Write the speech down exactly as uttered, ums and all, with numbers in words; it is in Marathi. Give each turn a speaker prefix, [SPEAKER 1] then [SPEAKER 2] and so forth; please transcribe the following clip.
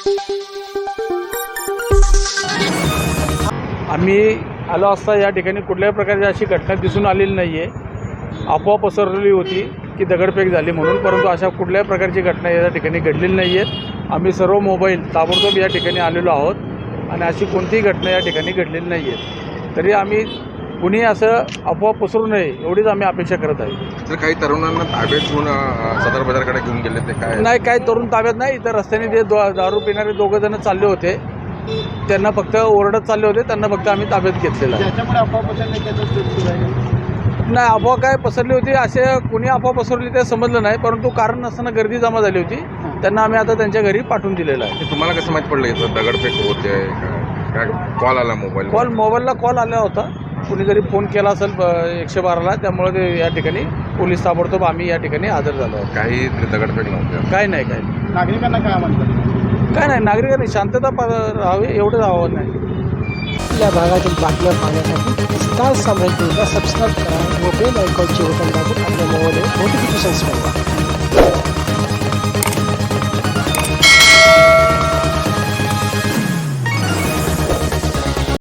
[SPEAKER 1] आम्ही आलो असता या ठिकाणी कुठल्याही प्रकारची अशी घटना दिसून आलेली नाही आहे। अफवा पसरलेली होती की दगडफेक झाली म्हणून, परंतु अशा कुठल्याही प्रकारची घटना या ठिकाणी घडलेली नाही आहे। आम्ही सर्व मोबाईल ताबडतोब या ठिकाणी आलेलो आहोत आणि अशी कोणतीही घटना या ठिकाणी घडलेली नाही आहे। तरी आम्ही कुणी असं अफवा पसरू नये एवढीच आम्ही अपेक्षा करत आहे।
[SPEAKER 2] तर काही तरुणांना ताब्यात घेऊन सदर बाजारकडे घेऊन गेले ते काय
[SPEAKER 1] नाही, काही तरुण ताब्यात नाही। इतर रस्त्याने जे दो दारू पिणारे दोघं जण चालले होते, त्यांना फक्त ओरडत चालले होते, त्यांना फक्त आम्ही ताब्यात घेतलेलं आहे।
[SPEAKER 3] त्याच्यामुळे अफवा पसरली
[SPEAKER 1] नाही, अफवा काय पसरली होती असे कुणी अफवा पसरली ते समजलं नाही, परंतु कारण नसताना गर्दी जमा झाली होती, त्यांना आम्ही आता त्यांच्या घरी पाठवून दिलेलं आहे।
[SPEAKER 2] तुम्हाला कसं माहीत पडलं इथं दगडफेक होते? काय कॉल आला मोबाईल
[SPEAKER 1] कॉल मोबाईलला कॉल आला होता, कुणीतरी फोन केला असेल एकशे बाराला, त्यामुळे ते या ठिकाणी पोलीस ताबडतोब आम्ही या ठिकाणी हजर झालो आहोत।
[SPEAKER 2] काही दगडफेक नव्हते?
[SPEAKER 1] काय नाही, काय नाही,
[SPEAKER 3] नागरिकांना काय म्हणतात?
[SPEAKER 1] काय नाही, नागरिकांनी शांतता राहावी एवढंच आव्हान आहे।
[SPEAKER 4] आपल्या भागातील बातम्या पाहण्यासाठी स्टार साम्राज्यला सबस्क्राईब करा व बेल आयकॉनचे बटन दाबून आपल्या मोबाईलवर नोटिफिकेशन्स मिळवा।